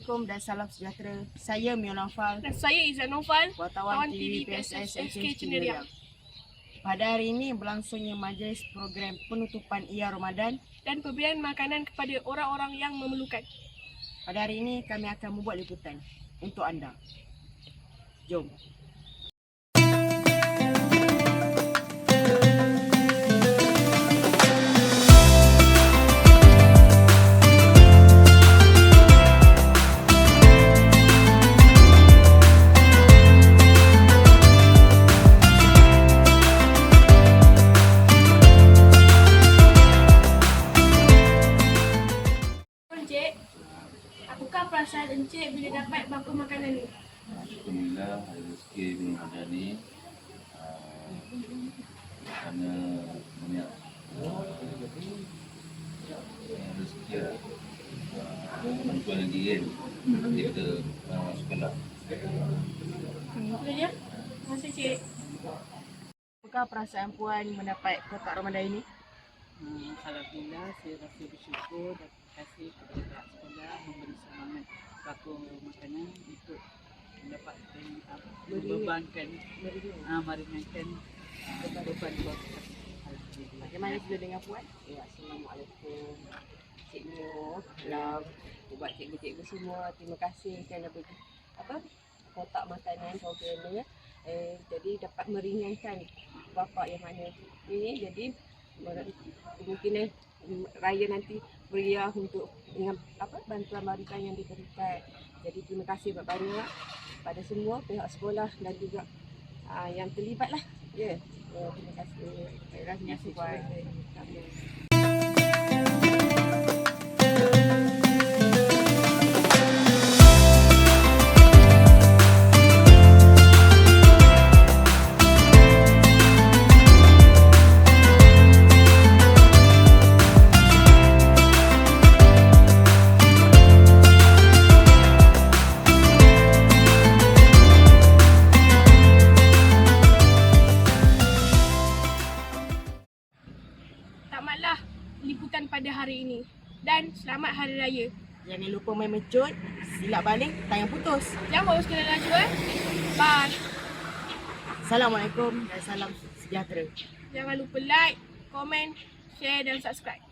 Assalamualaikum dan salam sejahtera. Saya Mio Naufal, Dan saya Izzan Naufal, wartawan TV PSS SK Ceneriang. Pada hari ini berlangsungnya majlis program penutupan Ia Ramadan. dan pemberian makanan kepada orang-orang yang memerlukan. Pada hari ini kami akan membuat liputan untuk anda. Jom. Encik, apakah perasaan Encik bila dapat bangku makanan ni? Alhamdulillah hari rezeki belum ada ni kerana banyak rezeki lah bantuan lagi kan kita sekolah. Itu dia. Terima kasih Cik. Apakah perasaan puan mendapat kotak Ramadan ini? Alhamdulillah, saya rasa bersyukur dan terima kasih kepada pihak sekolah memberi semangat bangku makanan untuk mendapatkan membebankan meringankan beban keluarga. Alhamdulillah. Bagaimana sudah dengan puan? Ya, Assalamualaikum. Cik Mio, salam buat cikgu-cikgu semua. Terima kasih kerana bagi kotak makanan program ni ya. Jadi dapat meringankan bapa yang mana ini, jadi kemungkinan raya nanti beria untuk dengan bantuan yang diberikan. Jadi terima kasih banyak pada semua pihak sekolah dan juga yang terlibat lah. Ya. Terima kasih. Terima kasih puan. Tamatlah liputan pada hari ini. Dan selamat Hari Raya. Jangan lupa main mecut, silap balik, tayang putus. Jangan bawa sekali laju Bye. Assalamualaikum dan salam sejahtera. Jangan lupa like, komen, share dan subscribe.